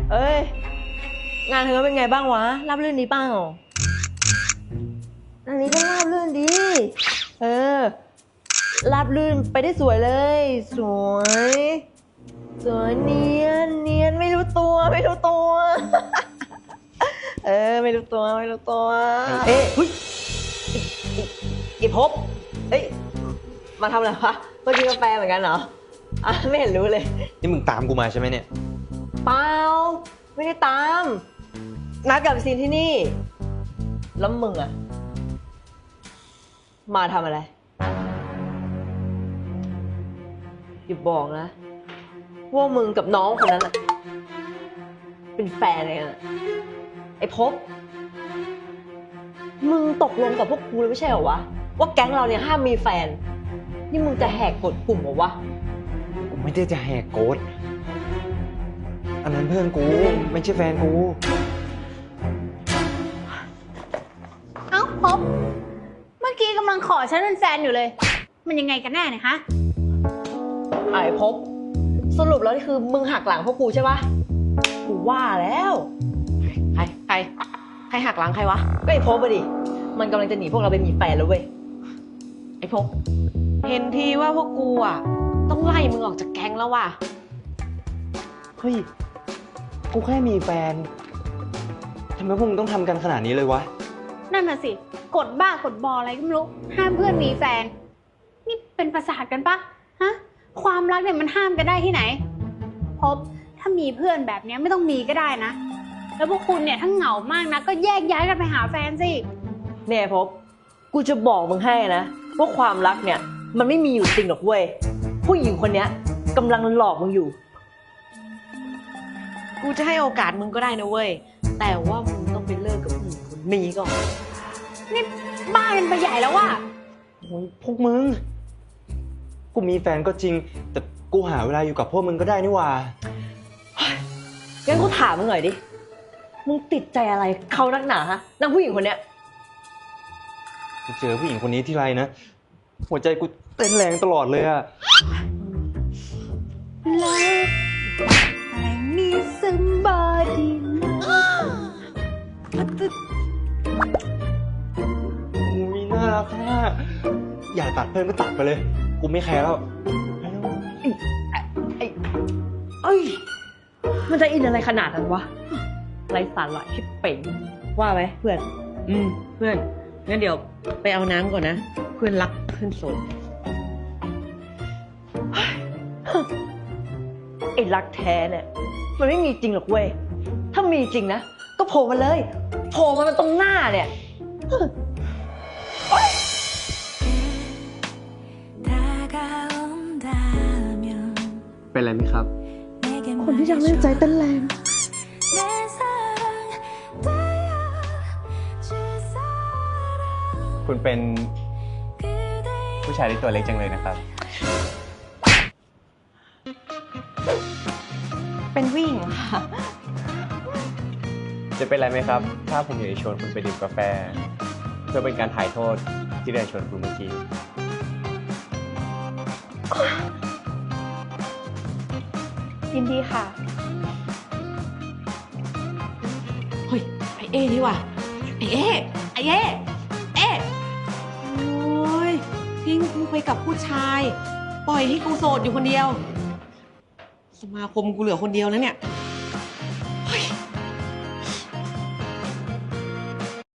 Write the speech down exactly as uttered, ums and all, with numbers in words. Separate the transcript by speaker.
Speaker 1: เอ้ยงานเธอเป็นไงบ้างวะราบรื่นดีเปล่าอันนี้ก็ราบรื่นดีเออราบรื่นไปได้สวยเลยสวยสวยเนียนเนียนไม่รู้ตัวไม่รู้ตัวเออไม่รู้ตัวไม่รู้ตัวเอ๊ะเฮ้ยอีพบเอ้ยมาทำอะไรวะเมื่อกี้กาแฟเหมือนกันเหรออ่ะไม่เห็นรู้เลย
Speaker 2: นี่มึงตามกูมาใช่ไหมเนี่ย
Speaker 1: เปล่าไม่ได้ตามนัดกับซีนที่นี่แล้วมึงอะมาทำอะไรอย่าบอกนะว่ามึงกับน้องคนนั้นอะเป็นแฟนอะไรกันอะไอ้พบมึงตกลงกับพวกกูเลยไม่ใช่เหรอวะว่าแก๊งเราเนี่ยห้ามมีแฟนนี่มึงจะแหกกฎกลุ่มเหรอวะ
Speaker 2: กูไม่ได้จะแหกกฎอันนั้นเพื่อนกูไม่ใช่แฟนกู
Speaker 3: เอ้าพบเมื่อกี้กำลังขอฉันเป็นแฟนอยู่เลยมันยังไงกันแน่เนี่ยฮะ
Speaker 1: ไอ้พบสรุปแล้วนี่คือมึงหักหลังพวกกูใช่ปะกูว่าแล้วใครใครใครหักหลังใครวะก็ไอ้พบอะดิมันกำลังจะหนีพวกเราไปมีแฟนแล้วเว้ยไอ้พบเห็นทีว่าพวกกูอ่ะต้องไล่มึงออกจากแก๊งแล้วว่ะ
Speaker 2: เฮ้ยกูแค่มีแฟนทำไมพวกมึงต้องทำกันขนาดนี้เลยวะ
Speaker 3: นั่นน่ะสิกดบ้ากดบออะไรก็ไม่รู้ห้ามเพื่อนมีแฟนนี่เป็นประสาทกันปะฮะความรักเนี่ยมันห้ามกันได้ที่ไหนพบถ้ามีเพื่อนแบบนี้ไม่ต้องมีก็ได้นะแล้วพวกคุณเนี่ยถ้าเหงามากนะก็แยกย้ายกันไปหาแฟนสิ
Speaker 1: เนี่ยพบกูจะบอกมึงให้นะว่าความรักเนี่ยมันไม่มีอยู่จริงหรอกเว้ยผู้หญิงคนนี้กำลังหลอกมึงอยู่กูจะให้โอกาสมึงก็ได้นะเว้ยแต่ว่ามึงต้องไปเลิกกับผู้หญิงคนนี้ก่อน
Speaker 3: นี่บ้าเป็นไปใหญ่แล้วว่ะ
Speaker 2: โอ้ยพวกมึงกูมีแฟนก็จริงแต่กูหาเวลาอยู่กับพวกมึงก็ได้นี่หว่า
Speaker 1: งั้นกูถามมึงหน่อยดิมึงติดใจอะไรเขานักหนาฮะนางผู้หญิงคนเนี้ย
Speaker 2: กูเจอผู้หญิงคนนี้ที่ไรนะหัวใจกูเต้นแรงตลอดเลยอะ
Speaker 3: แล้วอะไรนี่ซึมบอดี
Speaker 2: มีน่ารักมากอยากตัดเพื่อนก็ตัดไปเลยกูไม่แคร์แล้ว
Speaker 1: ไอ้เอ้ยมันจะอินอะไรขนาดนั้นวะไรสาระชิบเป่งว่าไหมเพื่อนอืมเพื่อนงั้นเดี๋ยวไปเอาน้ำก่อนนะเพื่อนรักเพื่อนโสดไอ้รักแท้เนี่ยมันไม่มีจริงหรอกเว้ยถ้ามีจริงนะก็โผล่มาเลยโผล่มามันตรงหน้าเนี่ย
Speaker 2: เป็นไรไหมครับ
Speaker 1: คนที่ยังเล่นใจเต้นแรง
Speaker 2: คุณเป็นผู้ชายที่ตัวเล็กจังเลยนะครับ
Speaker 1: เป็นผู้หญิงค่ะ
Speaker 2: จะเป็นไรไหมครับถ้าผมอยากจะชวนคุณไปดื่มกาแฟเพื่อเป็นการถ่ายโทษที่ได้ชวนคุณเมื่อกี้
Speaker 1: ยินดีค่ะเฮ้ยไอเอ๋นี่ว่ะไอเอ๋ไอเอ๋เอ๋โอ้ยทิ้งกูไปกับผู้ชายปล่อยให้กูโสดอยู่คนเดียวสมาคมกูเหลือคนเดียวแล้วเนี่ย